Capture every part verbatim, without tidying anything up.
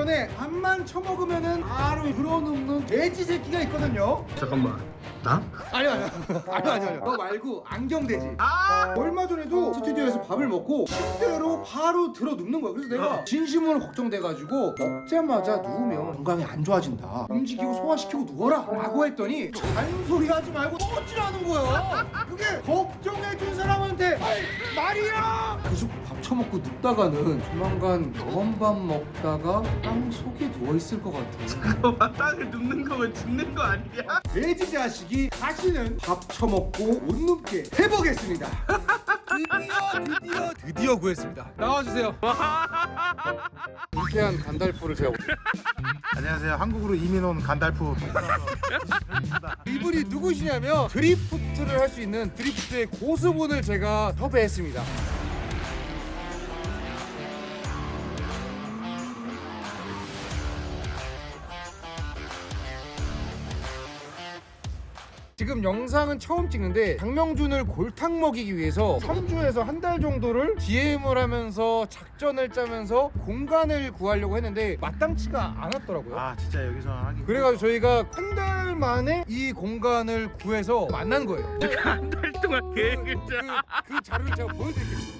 전에 밥만 처먹으면은 바로 불어넣는 돼지 새끼가 있거든요. 잠깐만. 나? 아니요 아니요 아니요 아니요 아니요. 너 말고 안경돼지. 아! 얼마 전에도 스튜디오에서 밥을 먹고 침대로 바로 들어 눕는 거야. 그래서 내가 진심으로 걱정돼가지고 먹자마자 누우면 건강이 안 좋아진다, 움직이고 소화시키고 누워라 라고 했더니 잔소리 하지 말고 어찌라는 거야. 그게 걱정해준 사람한테 말이야. 계속 밥 처먹고 눕다가는 조만간 검밥 먹다가 땅 속에 누워있을 것 같아. 잠깐만, 땅을 눕는 거면 죽는 거 아니야? 돼지 자식이 다시는 밥 처먹고 못 눕게 해보겠습니다. 드디어 드디어 드디어 구했습니다. 나와주세요. 불쾌한 간달프를 제가 안녕하세요. 한국으로 이민 온 간달프. 이분이 누구시냐면 드리프트를 할 수 있는 드리프트의 고수분을 제가 섭외했습니다. 지금 영상은 처음 찍는데 장명준을 골탕 먹이기 위해서 삼 주에서 한 달 정도를 디엠을 하면서 작전을 짜면서 공간을 구하려고 했는데 마땅치가 않았더라고요. 아 진짜 여기서 하기. 그래가지고 저희가 한 달 만에 이 공간을 구해서 만난 거예요. 한 달 동안 계획을 그, 짜. 그, 그 자료를 제가 보여드릴게요.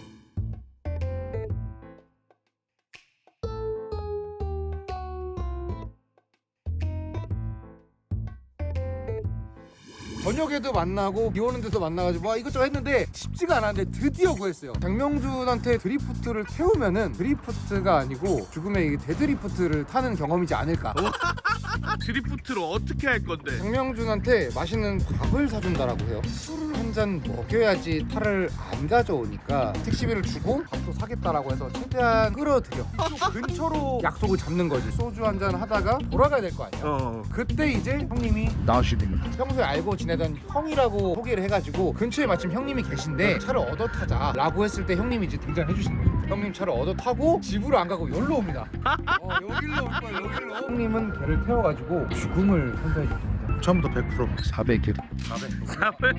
저녁에도 만나고 비 오는 데도 만나가지고 와 이것저것 했는데 쉽지가 않았는데 드디어 구했어요. 장명준한테 드리프트를 태우면은 드리프트가 아니고 죽음의 이 대드리프트를 타는 경험이지 않을까. 드리프트로 어떻게 할 건데? 장명준한테 맛있는 밥을 사준다라고 해요. 술을 한 잔 먹여야지 차를 안 가져오니까 택시비를 주고 밥도 사겠다라고 해서 최대한 끌어들여 근처로 약속을 잡는 거지. 소주 한 잔 하다가 돌아가야 될 거 아니야. 어. 그때 이제 형님이 나오시게 됩니다. 평소에 알고 지내던 형이라고 소개를 해가지고 근처에 마침 형님이 계신데 차를 얻어 타자 라고 했을 때 형님이 이제 등장해 주시는 거죠. 형님 차를 얻어 타고 집으로 안 가고 여기로 옵니다. 어, 여기로 올 거야. 여기로. 형님은 걔를 태워가지고 죽음을 선사해 주십니다. 처음부터 백 퍼센트 사백 킬. 사백.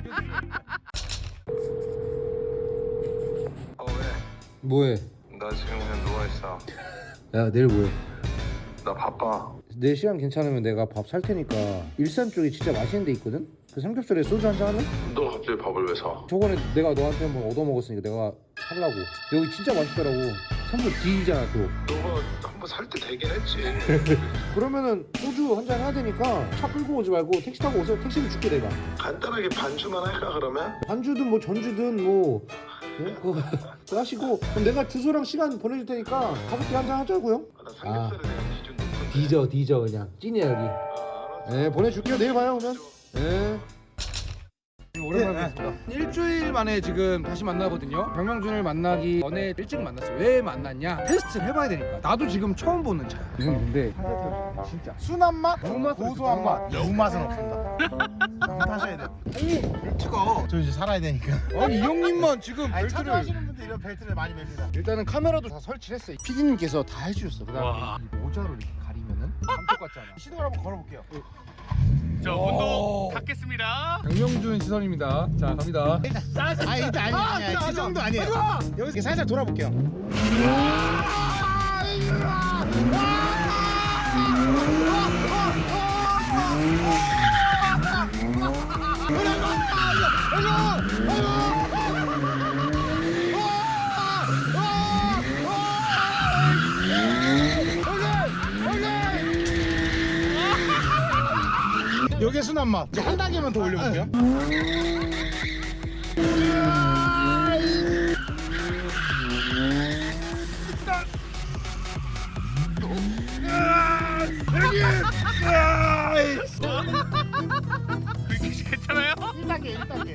어 왜? 뭐해? 나 지금 그냥 누워있어. 야 내일 뭐해? 나 바빠. 내 시간 괜찮으면 내가 밥 살 테니까 일산 쪽에 진짜 맛있는 데 있거든? 그 삼겹살에 소주 한잔 할래? 너 갑자기 밥을 왜 사? 저번에 내가 너한테 한번 얻어먹었으니까 내가 살라고. 여기 진짜 맛있더라고. 선물 D잖아 또. 너가 한번 살 때 되긴 했지. 그러면은 소주 한잔 해야 되니까 차 끌고 오지 말고 택시 타고 오세요. 택시비 줄게 내가. 간단하게 반주만 할까 그러면? 반주든 뭐 전주든 뭐 어? 그거 그거 하시고 그럼 내가 주소랑 시간 보내줄 테니까 가볍게 한잔 하자고요. 아, 나 삼겹살에 대한 기준 높은데. 디저 디저 그냥 찐이야 여기. 아, 알았어. 네 보내줄게요. 내일 봐요 그러면. 네. 오랜만에 뵙습니다. 일주일 만에 지금 다시 만나거든요. 장명준을 만나기 전에 일찍 만났어요. 왜 만났냐? 테스트를 해봐야 되니까. 나도 지금 처음 보는 차야. 이건 근데 진짜 순한 맛, 무맛은 고소한 맛, 무맛은 없습니다. 한번 타셔야 돼요. 형님 벨트가 저 이제 살아야 되니까. 아니 이 형님만 지금 아니 벨트를 찾아하시는 분들 이런 벨트를 많이 맵니다. 일단은 카메라도 다 설치를 했어요. 피디님께서 다 해주셨어. 그 와. 다음에 이 모자로 이렇게 가리면은 감쪽 같지 않아. 시동을 한번 걸어볼게요. 저 오. 운동 닫겠습니다. 장명준 시선입니다. 자 갑니다. 아 일단 아니 아니야. 그 정도 아니에요. 여기서 살살 돌아볼게요. 여기에 순한 맛. 이제 한 단계만 더 올려볼게요. 그렇게 괜찮아요? 일 단계, 일 단계.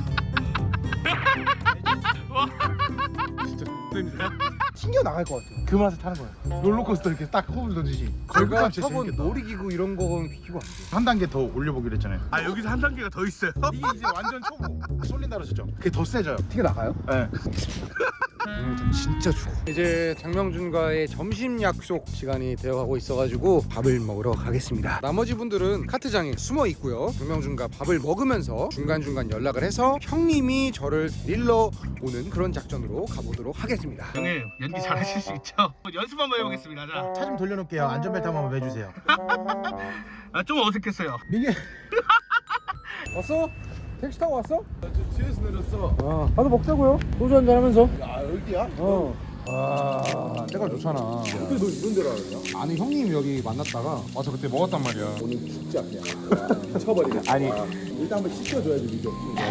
튕겨 나갈 것 같아요. 그 맛을 타는 거예요. 롤러코스터 이렇게 딱 호흡을 던지지. 제가 걸그감치 타본 재밌겠다. 놀이기구 이런 거는 비교가 안 돼. 한 단계 더 올려보기로 했잖아요. 아 여기서 한 단계가 더 있어요? 이게 이제 완전 초보. 쏠린다 그러셨죠? 그게 더 세져요. 튀겨 나가요? 네. 오늘부터 진짜 죽어. 이제 장명준과의 점심 약속 시간이 되어가고 있어가지고 밥을 먹으러 가겠습니다. 나머지 분들은 카트장에 숨어 있고요. 장명준과 밥을 먹으면서 중간중간 연락을 해서 형님이 저를 데리러 오는 그런 작전으로 가보도록 하겠습니다. 형님 연기 잘하실 수 있죠? 연습 한번 해보겠습니다. 자, 차 좀 돌려놓을게요. 안전벨트 한번 매주세요. 아, 좀 어색했어요. 민규. 왔어? 택시 타고 왔어? 뒤에서 내렸어. 아, 가서 먹자고요. 소주 한잔 하면서. 야 여기야? 어. 아, 때가 좋잖아. 근데 너 이런 데로 알았냐? 아니 형님 여기 만났다가 와서 그때 먹었단 말이야. 오늘 진짜 그냥 미쳐버리겠다. 아니 일단 한번 씻겨줘야지 민규.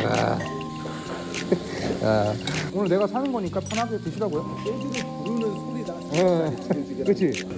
아, 오늘 내가 사는 거니까 편하게 드시라고요. 소주를 부르는 소리다. 네. 그렇지.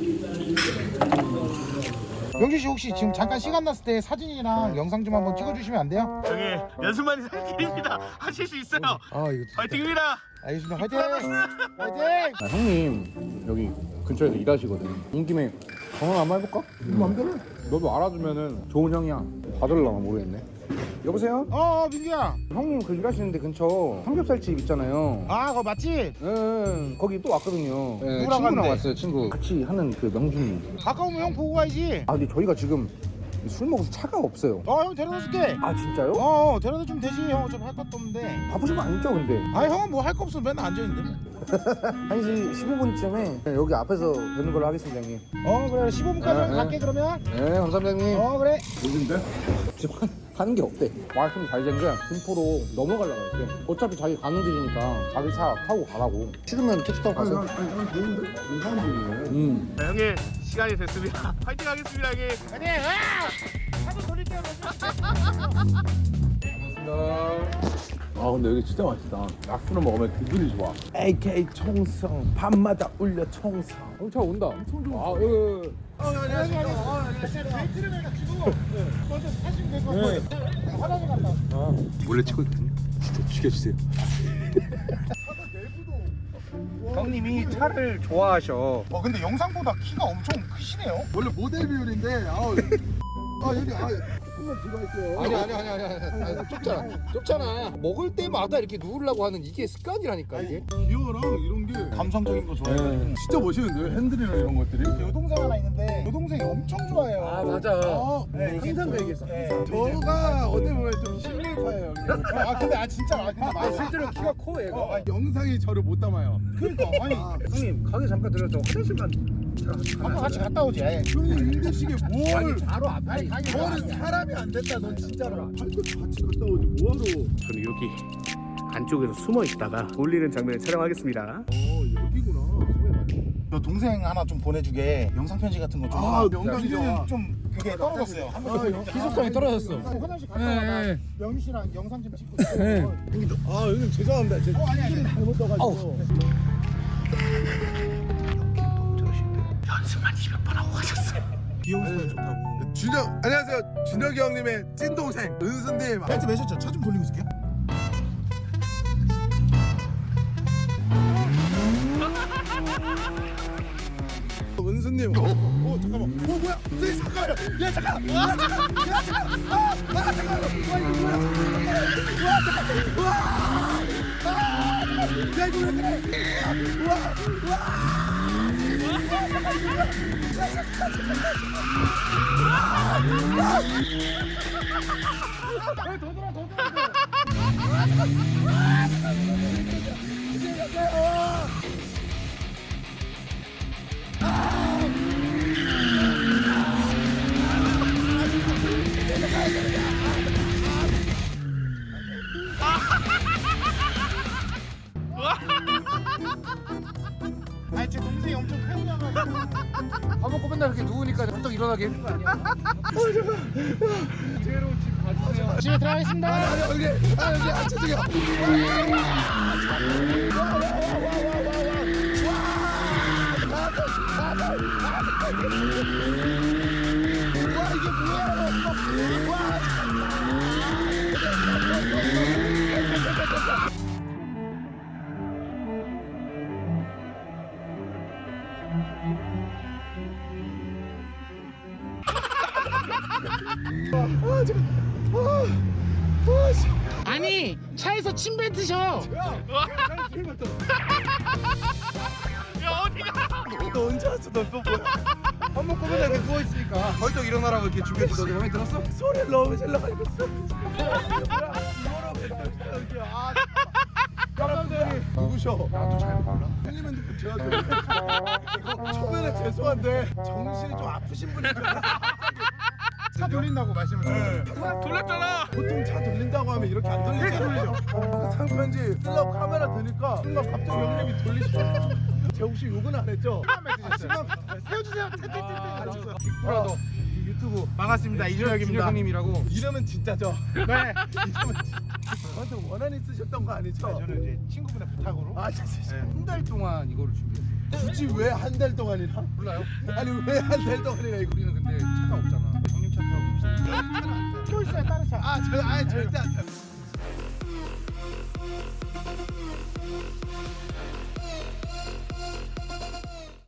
영준 씨 혹시 지금 잠깐 시간 났을 때 사진이랑 영상 좀 한번 찍어주시면 안 돼요? 형님 연습만이 살 길입니다. 하실 수 있어요. 아 이거 파이팅입니다. 알겠습니다. 화이팅! 화이팅! 아, 형님 여기 근처에서 일하시거든. 온 김에 전화 한번 해볼까? 맘대로. 너도 알아주면은 좋은 형이야. 받을라나 모르겠네. 여보세요? 어, 어 민규야. 형님 그 일하시는데 근처 삼겹살집 있잖아요. 아 그거 맞지? 응, 거기 또 왔거든요. 네, 누구랑 친구랑 갔는데? 왔어요. 친구 같이 하는 그 명준님. 가까우면 형 보고 가야지. 아 근데 저희가 지금 술 먹어서 차가 없어요. 어 형 데려다 줄게. 아 진짜요? 어 데려다 주면 되지. 형 어차피 할 것도 없는데. 바쁘신 거 아니죠 근데? 아 형은 뭐 할 거 없으면 맨날 앉아있는데. 한 시 십오 분쯤에 여기 앞에서 뵙는 걸로 하겠습니다 형님. 어 그래 십오 분까지 네, 네. 갈게 그러면. 네 감사합니다 형님. 어 그래. 지금 하- 하는 게 없대. 말씀 잘 된 게 김포로 넘어가려고 했대. 어차피 자기 가는 길이니까 자기 차 타고 가라고. 싫으면 택시 타고 가세요. 아니 난 좋은데? 이상한 분이네. 음. 자, 형님 시간이 됐습니다. 파이팅 하겠습니다, 형님. 아니 아! 한번 돌릴게요. 아 근데 여기 진짜 맛있다. 약수를 먹으면 기분이 좋아. 에이케이 총성 밤마다 울려 총성. 어, 차 온다. 아, 예, 예. 어 안녕하세요. 어 안녕하세요. 데이트를 해가지고 먼저 사시면 될 것 같아요. 화장실 갔다 왔어. 몰래 찍고 있거든요. 진짜 죽여주세요. 형님이 차를 좋아하셔. 어 근데 영상보다 키가 엄청 크시네요. 원래 모델 비율인데 아우. 아 여기 아 조금만 들어가 있어요. 아니 아니 아니 아니 아니, 아니 좁잖아. 좁잖아. 먹을 때마다 이렇게 누우려고 하는 이게 습관이라니까 이게. 기어랑 이런 게 감성적인 거 좋아해요. 진짜 멋있는데요? 핸들이랑 이런 것들이. 여동생 하나 있는데 여동생이 엄청 좋아해요. 아 맞아. 어, 네, 이게 항상 또- 그 얘기했어. 네. 저가 어디 보면 좀 실물파예요. 아 근데 아 진짜 아 근데 아, 맞아. 실제로 키가 커 얘가. 어, 아니, 영상이 저를 못 담아요. 그러니까 아니 형님 가게 잠깐 들어서 화장실만 한번 같이 갔다 오지. 아예. 형님 임대식에 뭘? 바로 앞에. 아니 가게 너는 사람이 안 됐다. 넌 진짜로. 할것 같이 갔다 오지 뭐하러? 저는 여기 안쪽에서 숨어 있다가 돌리는 장면을 촬영하겠습니다. 어 여기구나. 소개 많이. 너 동생 하나 좀 보내주게 영상 편지 같은 거 좀. 아, 하나. 영상이죠. 이제는 좀 그게 떨어졌어요. 아, 영- 기속성이 떨어졌어. 화장실 갔다 네, 와나 네. 명희 씨랑 영상 좀 찍고 있어요. 아 형님 죄송합니다. 제 어 아니 아니. 잘못 떠가지고. 귀여운 소리 좋다고. 준혁 안녕하세요. 준혁이 형님의 찐 동생 은수님. 벨트 매셨죠? 차 좀 돌리고 있을게요. 은수님. 어, 어 잠깐만. 어 뭐야? 선생님 잠깐만요. 야 잠깐. 야 잠깐. 야 잠깐. 아, 아 잠깐만. 와 이거 뭐야? 와 잠깐. 와. 아, 야 이거 왜 그래? 와. 와. 아니 제 동생이 엄청 팬이라가지고. 밥 먹고 맨날 이렇게 누우니까 벌떡 일어나게 해준 거 아니야? 집에 들어가겠습니다. 아 여기 아 여기 아 죄송해요. 아니 차에서 침 뱉으셔. 와. 넌또 뭐야? 밥 먹고 맨날 이렇게 누워있으니까 벌떡 일어나라고 이렇게 준비해서 너 마음에 들었어? 소리를 너무 질러가지고 있어. 이거라고 했다 여기. 아 깜깜대 누구셔? 나도 잘 몰라. 형님 핸드폰 제가 좀 이거 초면에 죄송한데 정신이 좀 아프신 분인 줄 알았어. 차 돌린다고 말씀을 네. 돌렸잖아. 보통 차 돌린다고 하면 이렇게 안 돌리잖아요. 상편지 쓰려고 카메라 드니까 순간 갑자기 형님이 돌리시더라고요. 제가 혹시 욕은 안 했죠? 세워주세요. 아, 빅브라더 유튜브 반갑습니다. 이준혁입니다. 형님이라고. 이름은 진짜죠? 네. 이름은 진짜. 저한테 원한 있으셨던 거 아니죠? 저는 이제 친구분의 부탁으로 아 진짜 한 달 동안 이거를 준비했어. 굳이 왜 한 달 동안이나? 몰라요? 아니 왜 한 달 동안이나 이거 우리는 근데 차가 없잖아. 형님 차 타고 없어. 또 있어요. 다른 차. 아, 저, 아 절대 안 돼.